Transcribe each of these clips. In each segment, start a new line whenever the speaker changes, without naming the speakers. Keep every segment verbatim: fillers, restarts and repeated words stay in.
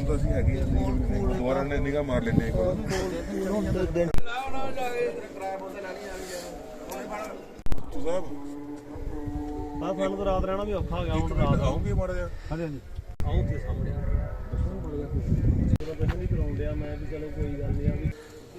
ਤਾਂ ਅਸੀਂ ਹੈਗੇ ਆ ਦੁਬਾਰਾ ਨੇ ਨਿਗਾਹ ਮਾਰ ਲੈਂਦੇ ਇੱਕ ਵਾਰ ਸਾਹਿਬ
ਆ ਸਾਨੂੰ ਤਾਂ ਰਾਤ ਰਹਿਣਾ ਵੀ ਔਖਾ ਹੋ ਗਿਆ ਹੁਣ ਰਾਤ
ਆਉਂਗੇ ਮਾੜਾ ਜਿਹਾ
ਹਾਂਜੀ ਹਾਂਜੀ ਆਉਂ ਤੇ ਸਾਹਮਣੇ ਦੱਸੋ ਬੜ ਗਿਆ ਜਦੋਂ ਪਹਿਲਾਂ ਵੀ ਕਰਾਉਂਦੇ ਆ ਮੈਂ ਵੀ ਚਲੋ ਕੋਈ ਗੱਲ ਨਹੀਂ ਆ ਵੀ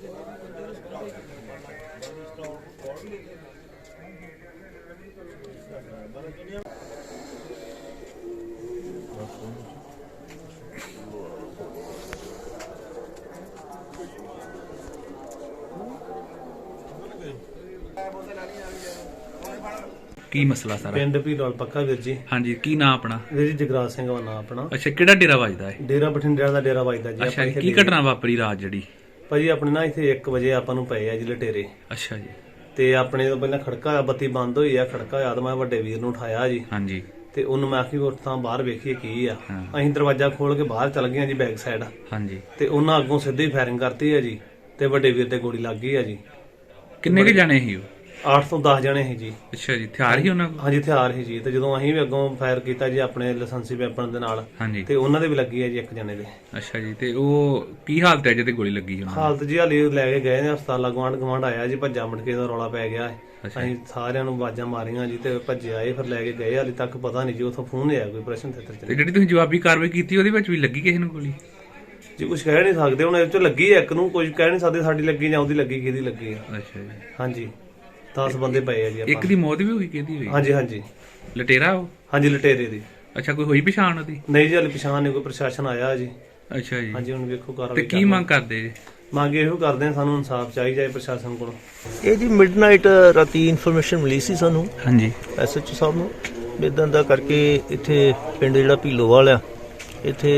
ਕੀ ਮਸਲਾ ਸਾਰਾ?
ਪਿੰਡ ਭੀਲੋਲ ਪੱਕਾ ਵੀਰ ਜੀ।
ਹਾਂਜੀ, ਕੀ ਨਾਂ ਆਪਣਾ?
ਵੀਰ ਜੀ ਜਗਰਾਜ ਸਿੰਘ ਦਾ ਨਾਂ ਆਪਣਾ।
ਅੱਛਾ, ਕਿਹੜਾ ਡੇਰਾ ਵੱਜਦਾ ਹੈ?
ਡੇਰਾ ਬਠਿੰਡਿਆਂ ਦਾ ਡੇਰਾ ਵੱਜਦਾ ਜੀ।
ਅੱਛਾ, ਕੀ ਘਟਨਾ ਵਾਪਰੀ ਰਾਤ ਜਿਹੜੀ?
ਭਾਜੀ ਆਪਣੇ ਨਾ ਇੱਥੇ ਇੱਕ ਵਜੇ ਆਪਾਂ ਨੂੰ ਪਏ ਆ ਜੀ ਲਟੇਰੇ।
ਅੱਛਾ ਜੀ।
ਤੇ ਆਪਣੇ ਤੋਂ ਪਹਿਲਾਂ ਖੜਕਾ ਹੋਇਆ, ਬੱਤੀ ਬੰਦ ਹੋਈ ਆ, ਖੜਕਾ ਹੋਇਆ ਤਾਂ ਮੈਂ ਵੱਡੇ ਵੀਰ ਨੂੰ ਉਠਾਇਆ ਜੀ।
ਹਾਂਜੀ।
ਤੇ ਉਹਨੂੰ ਮੈਂ ਆਖੀ ਉੱਠ ਤਾਂ ਬਾਹਰ ਵੇਖੀਏ ਕੀ ਆ। ਅਸੀਂ ਦਰਵਾਜ਼ਾ ਖੋਲ ਕੇ ਬਾਹਰ ਚੱਲ ਗਏ ਜੀ ਬੈਕ ਸਾਈਡ।
ਹਾਂਜੀ।
ਤੇ ਉਹਨਾਂ ਅੱਗੋਂ ਸਿੱਧੀ ਫਾਇਰਿੰਗ ਕਰਤੀ ਆ ਜੀ ਤੇ ਵੱਡੇ ਵੀਰ ਤੇ ਗੋਲੀ ਲੱਗ ਗਈ ਆ ਜੀ।
ਕਿੰਨੇ ਕੁ ਜਾਣੇ ਸੀ ਉਹ?
ਅੱਠ ਤੋਂ ਦਸ ਜਣੇ ਸੀ ਜੀ।
ਅੱਛਾ ਜੀ, ਹਥਿਆਰ ਹੀ ਉਹਨਾਂ ਕੋਲ?
ਹਾਂਜੀ, ਹਥਿਆਰ ਸੀ ਜੀ। ਤੇ ਜਦੋਂ ਅਸੀਂ ਵੀ ਅੱਗੋਂ ਫਾਇਰ ਕੀਤਾ ਜੀ ਆਪਣੇ ਲਾਇਸੈਂਸੀ ਵੈਪਨ ਦੇ ਨਾਲ,
ਹਾਂਜੀ,
ਤੇ ਉਹਨਾਂ ਦੇ ਵੀ ਲੱਗੀ ਹੈ ਜੀ ਇੱਕ ਜਣੇ ਦੇ।
ਅੱਛਾ ਜੀ, ਤੇ ਉਹ ਕੀ ਹਾਲਤ ਹੈ ਜਿਹਦੇ ਗੋਲੀ ਲੱਗੀ ਉਹਨਾਂ ਦੀ?
ਹਾਲਤ ਜੀ ਹਾਲੇ ਲੈ ਕੇ ਗਏ ਨੇ ਹਸਪਤਾਲ। ਗਵਾਂਢ ਗਵਾਂਢ ਆਇਆ ਜੀ, ਭੱਜਾ ਮਟਕੇ ਦਾ ਰੌਲਾ ਪੈ ਗਿਆ। ਅਸੀਂ ਸਾਰਿਆਂ ਨੂੰ ਆਵਾਜ਼ਾਂ ਮਾਰੀਆਂ ਜੀ ਤੇ ਭੱਜੇ ਆਏ, ਫਿਰ ਲੈ ਕੇ ਗਏ। ਹਾਲੇ ਤੱਕ ਪਤਾ ਨਹੀਂ ਜੀ ਉੱਥੋਂ ਫੋਨ ਆਇਆ ਕੋਈ ਪ੍ਰਸ਼ਨ ਤੇ।
ਤੇ ਜਿਹੜੀ ਤੁਸੀਂ ਜਵਾਬੀ ਕਾਰਵਾਈ ਕੀਤੀ ਉਹਦੇ ਵਿੱਚ ਵੀ ਲੱਗੀ ਕਿਸੇ ਨੂੰ ਗੋਲੀ?
ਜੀ ਕੁਝ ਕਹਿ ਨਹੀਂ ਸਕਦੇ ਹੁਣ, ਇਹ ਚੋਂ ਲੱਗੀ ਹੈ ਇੱਕ ਨੂੰ, ਕੁਝ ਕਹਿ ਨਹੀਂ ਸਕਦੇ ਸਾਡੀ ਲੱਗੀ ਜਾਂ ਉਹਦੀ ਲੱਗੀ, ਕਿਹਦੀ ਲੱਗੀ ਆ।
ਅੱਛਾ ਜੀ।
ਹਾਂਜੀ, ਦਸ ਬੰਦੇ ਪਏ ਆ ਜੀ।
ਇੱਕ ਦੀ ਮੌਤ ਵੀ ਹੋਈ, ਕਿਹਦੀ ਹੋਈ?
ਹਾਂਜੀ ਹਾਂਜੀ,
ਲਟੇਰਾ ਉਹ?
ਹਾਂਜੀ ਲਟੇਰੇ ਦੀ।
ਅੱਛਾ, ਕੋਈ ਹੋਈ ਪਛਾਣ ਉਹਦੀ?
ਨਹੀਂ ਜੀ ਹਾਲੇ ਪਛਾਣ ਨਹੀਂ, ਕੋਈ ਪ੍ਰਸ਼ਾਸਨ ਆਇਆ ਜੀ।
ਅੱਛਾ ਜੀ।
ਹਾਂਜੀ, ਹੁਣ ਵੇਖੋ ਕਾਰਵਾਈ।
ਤੇ ਕੀ ਮੰਗ ਕਰਦੇ ਜੀ?
ਮੰਗ ਇਹੋ ਕਰਦੇ ਆ, ਸਾਨੂੰ ਇਨਸਾਫ ਚਾਹੀਦਾ ਹੈ ਪ੍ਰਸ਼ਾਸਨ ਕੋਲੋਂ।
ਇਹ ਜੀ ਮਿਡਨਾਈਟ ਰਾਤੀ ਇਨਫੋਰਮੇਸ਼ਨ ਮਿਲੀ ਸੀ ਸਾਨੂੰ
ਹਾਂਜੀ
ਐਸਐਚਓ ਸਾਹਿਬ ਨੂੰ, ਇਦਾਂ ਦਾ ਕਰਕੇ ਇੱਥੇ ਪਿੰਡ ਜਿਹੜਾ ਭੀਲੋਵਾਲ ਆ, ਇੱਥੇ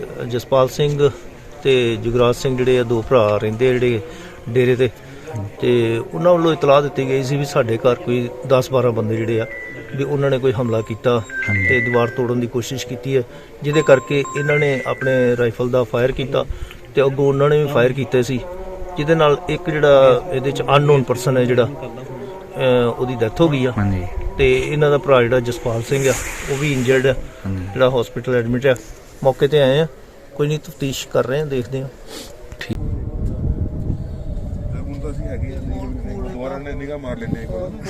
ਜਸਪਾਲ ਸਿੰਘ ਤੇ ਜੁਗਰਾਜ ਸਿੰਘ ਜਿਹੜੇ ਆ ਦੋ ਭਰਾ ਰਹਿੰਦੇ ਆ ਜਿਹੜੇ ਡੇਰੇ ਤੇ, ਤੇ ਉਹਨਾਂ ਵੱਲੋਂ ਇਤਲਾਹ ਦਿੱਤੀ ਗਈ ਸੀ ਵੀ ਸਾਡੇ ਘਰ ਕੋਈ ਦਸ ਬਾਰਾਂ ਬੰਦੇ ਜਿਹੜੇ ਆ ਵੀ ਉਹਨਾਂ ਨੇ ਕੋਈ ਹਮਲਾ ਕੀਤਾ ਤੇ ਦੀਵਾਰ ਤੋੜਨ ਦੀ ਕੋਸ਼ਿਸ਼ ਕੀਤੀ ਹੈ, ਜਿਹਦੇ ਕਰਕੇ ਇਹਨਾਂ ਨੇ ਆਪਣੇ ਰਾਈਫਲ ਦਾ ਫਾਇਰ ਕੀਤਾ ਤੇ ਅੱਗੋਂ ਉਹਨਾਂ ਨੇ ਵੀ ਫਾਇਰ ਕੀਤੇ ਸੀ, ਜਿਹਦੇ ਨਾਲ ਇੱਕ ਜਿਹੜਾ ਇਹਦੇ ਚ ਅਨਨੋਨ ਪਰਸਨ ਹੈ ਜਿਹੜਾ ਉਹਦੀ ਡੈਥ ਹੋ ਗਈ ਆ।
ਹਾਂਜੀ।
ਤੇ ਇਹਨਾਂ ਦਾ ਭਰਾ ਜਿਹੜਾ ਜਸਪਾਲ ਸਿੰਘ ਆ ਉਹ ਵੀ ਇੰਜਰਡ ਆ, ਜਿਹੜਾ ਹਸਪੀਟਲ ਐਡਮਿਟ ਆ। ਮੌਕੇ ਤੇ ਆਏ ਆ, ਕੋਈ ਨਹੀਂ ਤਫਤੀਸ਼ ਕਰ ਰਹੇ ਆ, ਦੇਖਦੇ ਆ।
ਠੀਕ।
ਹੁਣ ਤਾਂ ਅਸੀਂ ਹੈਗੇ ਆ ਦੁਬਾਰਾ ਨੇ ਨਿਗਾਹ ਮਾਰ ਲੈਂਦੇ ਇੱਕ ਵਾਰ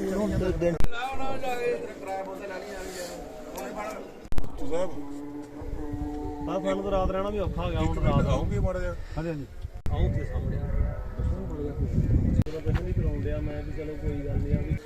ਸਾਹਿਬ
ਆ ਸਾਨੂੰ ਤਾਂ ਰਾਤ ਰਹਿਣਾ ਵੀ ਔਖਾ ਹੋ ਗਿਆ ਹੁਣ ਰਾਤ
ਆਉਂਗੇ ਮਾੜਾ ਜਿਹਾ
ਹਾਂਜੀ ਹਾਂਜੀ ਆਉਂ ਤੇ ਸਾਹਮਣੇ ਦੱਸੋ ਬੜ ਗਿਆ ਜਦੋਂ ਪਹਿਲਾਂ ਵੀ ਕਰਾਉਂਦੇ ਆ ਮੈਂ ਵੀ ਚਲੋ ਕੋਈ ਗੱਲ ਨਹੀਂ ਆ ਵੀ